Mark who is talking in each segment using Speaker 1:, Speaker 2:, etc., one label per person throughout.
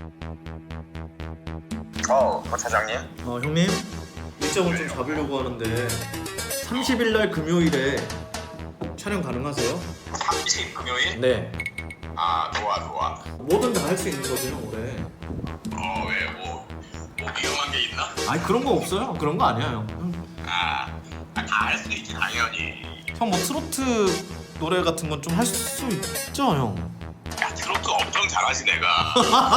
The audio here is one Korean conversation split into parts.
Speaker 1: 박 차장님?
Speaker 2: 형님, 일정을 좀 잡으려고 하는데 30일 날 금요일에 촬영 가능하세요?
Speaker 1: 30 금요일?
Speaker 2: 네.
Speaker 1: 좋아.
Speaker 2: 뭐든 다 할 수 있는 거죠, 형, 올해.
Speaker 1: 왜 뭐 위험한 게 있나?
Speaker 2: 아니, 그런 거 없어요. 그런 거 아니야, 형.
Speaker 1: 다 할 수 있지 당연히.
Speaker 2: 형, 뭐 트로트 노래 같은 건 좀 할 수 있죠, 형?
Speaker 1: 야, 트로트 엄청 잘하지 내가.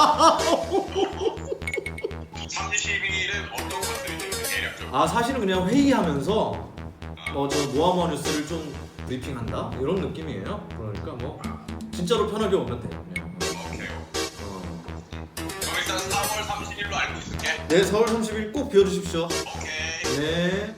Speaker 1: 30일은 어떤 것들이 좀 대략적으로?
Speaker 2: 사실은 그냥 회의하면서 저 모아모아 뉴스를 좀 브리핑한다? 이런 느낌이에요. 그러니까 뭐 진짜로 편하게 오면 돼요, 그냥.
Speaker 1: 오케이. 그럼 일단 4월 30일로 알고 있을게.
Speaker 2: 네, 4월 30일 꼭 비워주십시오.
Speaker 1: 오케이.
Speaker 2: 네.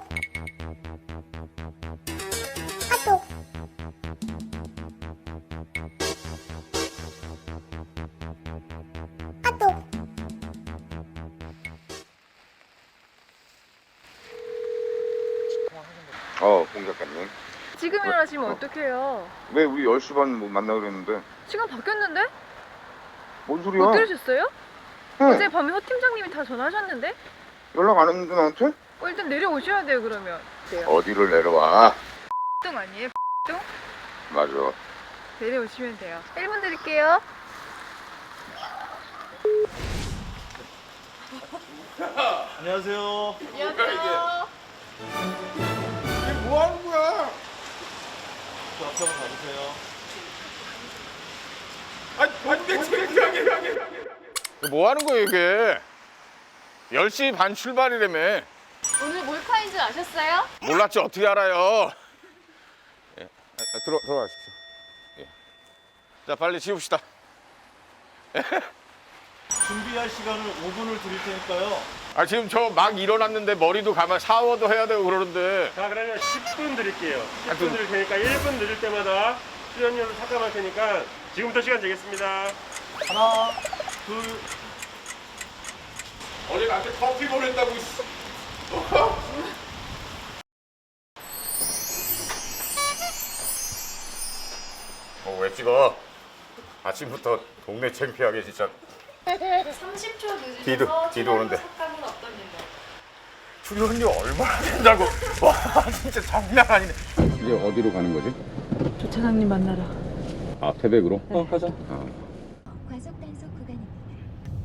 Speaker 3: 공 작가님.
Speaker 4: 지금 일어나시면 어떡해요?
Speaker 3: 왜 우리 10시 반 만나기로 그랬는데?
Speaker 4: 시간 바뀌었는데?
Speaker 3: 뭔 소리야?
Speaker 4: 못 들으셨어요?
Speaker 3: 응.
Speaker 4: 어제 밤에 허 팀장님이 다 전화하셨는데?
Speaker 3: 연락 안 했는데 나한테?
Speaker 4: 일단 내려오셔야 돼요 그러면.
Speaker 3: 어디를 내려와?
Speaker 4: 똥 아니에요? 똥?
Speaker 3: 맞아.
Speaker 4: 내려오시면 돼요. 1분 드릴게요.
Speaker 2: 안녕하세요.
Speaker 4: 안녕하세요.
Speaker 3: 이게 뭐 하는 거야?
Speaker 2: 저 앞에 한번 가주세요.
Speaker 3: 내 창피하게. 뭐 하는 거야 이게? 10시 반 출발이라며.
Speaker 4: 오늘 몰카인 줄 아셨어요?
Speaker 3: 몰랐지 어떻게 알아요? 예. 들어가십시오. 예. 자 빨리 지웁시다.
Speaker 2: 준비할 시간을 5분을 드릴 테니까요.
Speaker 3: 지금 저 막 일어났는데 머리도 감아 샤워도 해야 되고 그러는데.
Speaker 5: 자, 그러면 10분 드릴게요. 10분
Speaker 3: 좀-
Speaker 5: 드릴 테니까 1분 늦을 때마다 출연료를 삭감할 테니까 지금부터 시간 되겠습니다.
Speaker 2: 하나, 둘.
Speaker 3: 어제 나한테 커피 보냈다고 있어. 왜 찍어? 아침부터 동네 창피하게 진짜.
Speaker 4: 30초 늦으셔서
Speaker 3: 뒤도 오는데.
Speaker 4: 삭감은 어떤 일로?
Speaker 3: 출연료 얼마나 된다고. 와 진짜 장난 아니네. 이제 어디로 가는 거지?
Speaker 4: 조 차장님 만나러.
Speaker 3: 태백으로?
Speaker 2: 가자.
Speaker 6: 과속 단속 구간입니다.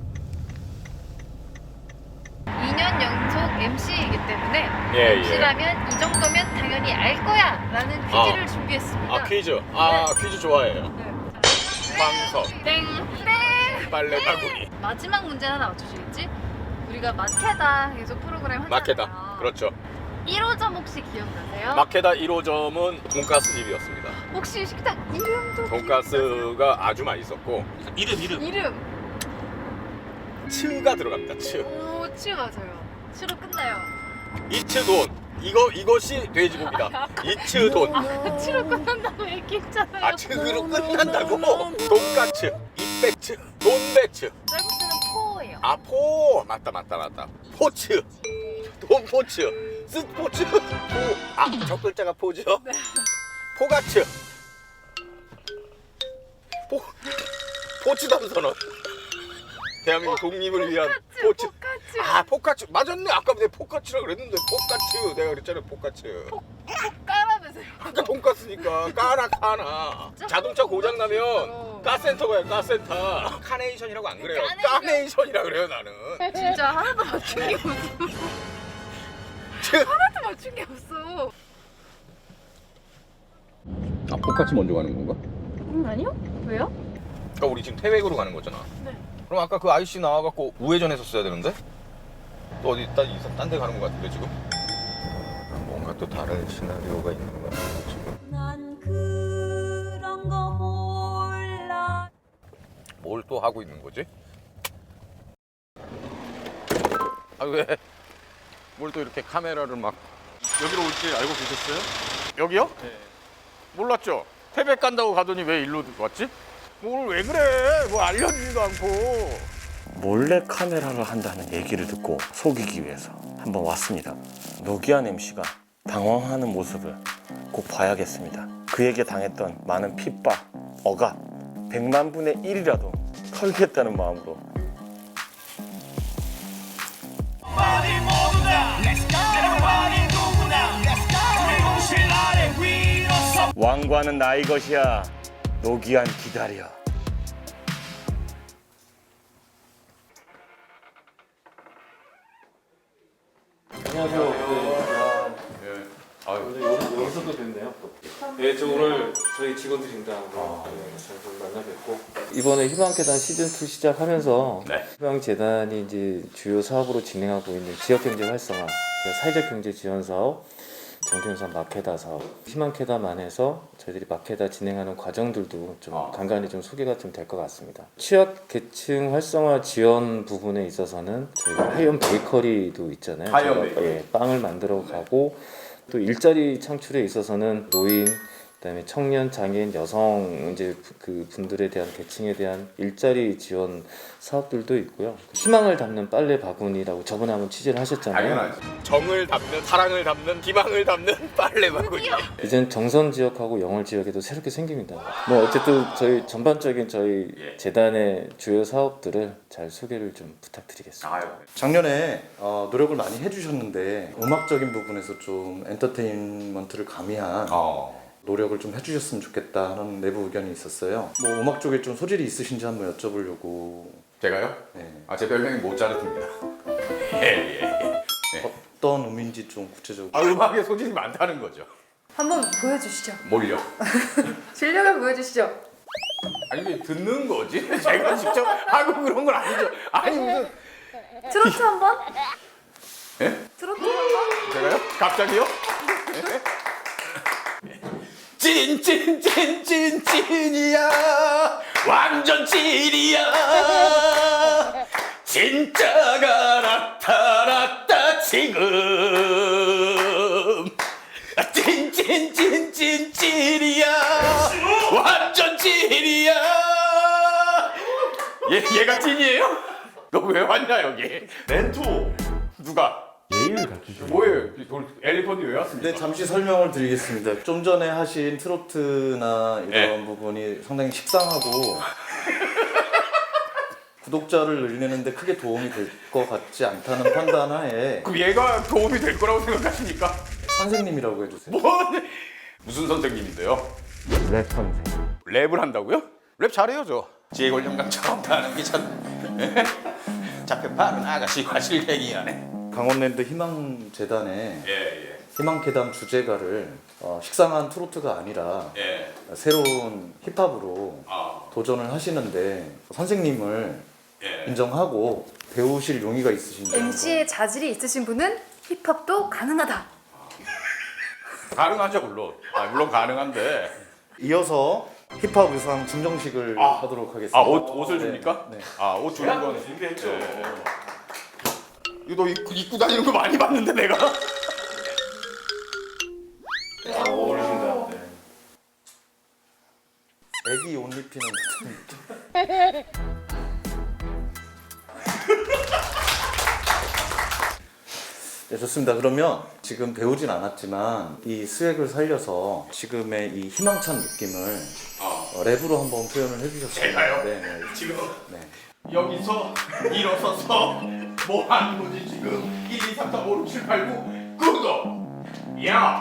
Speaker 4: 2년 연속 MC이기 때문에
Speaker 3: 예,
Speaker 4: MC라면 이 정도면 당연히 알 거야 라는 퀴즈를 준비했습니다.
Speaker 3: 퀴즈. 퀴즈 좋아해요. 방석,
Speaker 4: 땡! 땡!
Speaker 3: 빨래 바구니.
Speaker 4: 마지막 문제 하나 맞추시겠지? 우리가 마케다 계속 프로그램 하잖아요.
Speaker 3: 마케다. 그렇죠.
Speaker 4: 1호점 혹시 기억나세요?
Speaker 3: 마케다 1호점은 돈가스 집이었습니다.
Speaker 4: 혹시 식당 이름도
Speaker 3: 돈가스가 아주 맛있었고
Speaker 4: 이름
Speaker 3: 츠가 들어갑니다. 츠.
Speaker 4: 오, 치 맞아요. 치로 끝나요.
Speaker 3: 이츠돈. 이것이 돼지고기다. 이츠돈.
Speaker 4: 치로 끝난다고 얘기했잖아요.
Speaker 3: 츠로 끝난다고? 돈까츠, 이배츠, 돈배츠.
Speaker 4: 쌀국수는 포예요.
Speaker 3: 포. 맞다. 포츠. 돈포츠. 스포츠. 포. 첫 글자가 포죠?
Speaker 4: 네.
Speaker 3: 포가츠. 포츠담 선언. 대한민국 독립을 위한 포츠.
Speaker 4: 포카츠.
Speaker 3: 포카츠. 맞았네. 아까 내가 포카츠라 그랬는데 포카츠. 내가 그랬잖아. 포카츠.
Speaker 4: 까라면서요.
Speaker 3: 아까 돈가스니까 까나. 자동차 고장 나면 카센터 가요. 카센터. 카네이션이라고 안 그래요. 까네이션이라 그래요 나는.
Speaker 4: 진짜 하나도 맞춘 게 없어. 하나도 맞춘 게 없어.
Speaker 3: 포카츠 먼저 가는 건가?
Speaker 4: 아니요? 왜요?
Speaker 3: 그러니까 우리 지금 태백으로 가는 거잖아.
Speaker 4: 네.
Speaker 3: 그럼 아까 그 아저씨 나와갖고 우회전 했었어야 되는데? 또 어디 딴 데 가는 것 같은데 지금? 뭔가 또 다른 시나리오가 있는 것 같아 지금.
Speaker 6: 난 그런 거 몰라.
Speaker 3: 뭘 또 하고 있는 거지? 왜? 뭘 또 이렇게 카메라를 막.
Speaker 2: 여기로 올 줄 알고 계셨어요?
Speaker 3: 여기요?
Speaker 2: 네.
Speaker 3: 몰랐죠? 태백 간다고 가더니 왜 일로 왔지? 뭘 왜 그래? 뭐 알려주지도 않고.
Speaker 7: 몰래 카메라를 한다는 얘기를 듣고 속이기 위해서 한번 왔습니다. 노기안 MC가 당황하는 모습을 꼭 봐야겠습니다. 그에게 당했던 많은 핍박, 억압, 100만 분의 1이라도 털겠다는 마음으로 왕관은 나의 것이야. 노기안 기다려.
Speaker 8: 여기서도 뵙네요. 네, 저 오늘 저희 직원들입니다. 잘 만나 뵙고 이번에 희망계단 시즌 2 시작하면서 희망재단이 이제 주요 사업으로 진행하고 있는 지역경제 활성화, 사회적 경제 지원 사업, 정경산 마케다 사업, 희망계단 안에서 저희들이 마케다 진행하는 과정들도 좀 간간히 좀 소개가 좀 될 것 같습니다. 취약 계층 활성화 지원 부분에 있어서는 저희가 하이엄 베이커리도 있잖아요.
Speaker 3: 하이엄
Speaker 8: 제가, 빵을 만들어 가고 또 일자리 창출에 있어서는 노인, 그다음에 청년, 장애인, 여성 이제 그 분들에 대한 계층에 대한 일자리 지원 사업들도 있고요. 희망을 담는 빨래 바구니라고 저번에 한번 취재를 하셨잖아요.
Speaker 3: 당연하지. 정을 담는, 사랑을 담는, 희망을 담는 빨래 바구니.
Speaker 8: 이젠 정선 지역하고 영월 지역에도 새롭게 생깁니다. 뭐 어쨌든 저희 전반적인 저희 재단의 주요 사업들을 잘 소개를 좀 부탁드리겠습니다.
Speaker 2: 작년에 노력을 많이 해주셨는데 음악적인 부분에서 좀 엔터테인먼트를 가미한 노력을 좀 해주셨으면 좋겠다 하는 내부 의견이 있었어요. 뭐 음악 쪽에 좀 소질이 있으신지 한번 여쭤보려고.
Speaker 3: 제가요?
Speaker 2: 네.
Speaker 3: 제 별명이 모차르트입니다. 예.
Speaker 2: 어떤 의미인지 좀 구체적으로.
Speaker 3: 음악에 소질이 많다는 거죠.
Speaker 4: 한번 보여주시죠.
Speaker 3: 뭘요?
Speaker 4: 실력을 보여주시죠.
Speaker 3: 아니 이게 듣는 거지? 제가 직접 하고 그런 건 아니죠. 아니 무슨
Speaker 4: 트로트 한번?
Speaker 3: 예?
Speaker 4: 트로트 한번?
Speaker 3: 제가요? 갑자기요? 찐이야 완전 찐이야 진짜가 나타났다 지금 찐이야 완전 찐이야 얘가 찐이에요? 너 왜 왔냐 여기? 렌토 누가?
Speaker 5: 예의를 갖추시고
Speaker 3: 뭐예요? 엘리펀이 왜 왔습니까?
Speaker 2: 네, 잠시 설명을 드리겠습니다. 좀 전에 하신 트로트나 이런 부분이 상당히 식상하고 구독자를 늘리는데 크게 도움이 될 것 같지 않다는 판단하에
Speaker 3: 그럼 얘가 도움이 될 거라고 생각하십니까?
Speaker 2: 선생님이라고 해주세요.
Speaker 3: 무슨 선생님인데요?
Speaker 7: 랩 선생.
Speaker 3: 랩을 한다고요? 랩 잘해요 저. 지혜골 영감처럼 하는 게 참. 잡혀 빠른 아가씨와 실갱이하네.
Speaker 2: 강원랜드 희망재단의
Speaker 3: 예.
Speaker 2: 희망계단 주제가를 식상한 트로트가 아니라
Speaker 3: 예.
Speaker 2: 새로운 힙합으로 도전을 하시는데 선생님을 인정하고 배우실 용의가 있으신지.
Speaker 4: MC의 자질이 있으신 분은 힙합도 가능하다.
Speaker 3: 가능하죠 물론. 물론 가능한데.
Speaker 2: 이어서 힙합 의상 증정식을 하도록 하겠습니다.
Speaker 3: 옷을 줍니까?
Speaker 2: 네.
Speaker 3: 옷 주는 건 준비했죠. 이거 너 입고 다니는 거 많이 봤는데 내가.
Speaker 5: 어울리신다.
Speaker 2: 애기 옷 입히는 네, 좋습니다. 그러면 지금 배우진 않았지만 이 스웩을 살려서 지금의 이 희망찬 느낌을 랩으로 한번 표현을 해주셨어요.
Speaker 3: 제가요?
Speaker 2: 네.
Speaker 3: 지금
Speaker 2: 네.
Speaker 3: 여기서 일어서서 뭐 하는 거지 지금 1, 2, 3, 4, 5, 6, 7, 8, 9 구독! 야!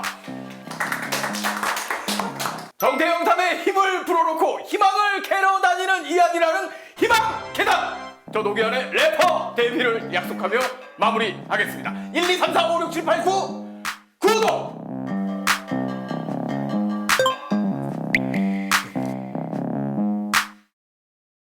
Speaker 3: 정태영삼의 힘을 불어넣고 희망을 캐러 다니는 이야기라는 희망 계단! 저 노기안의 래퍼 데뷔를 약속하며 마무리하겠습니다. 1, 2, 3, 4, 5, 6, 7, 8, 9 구독!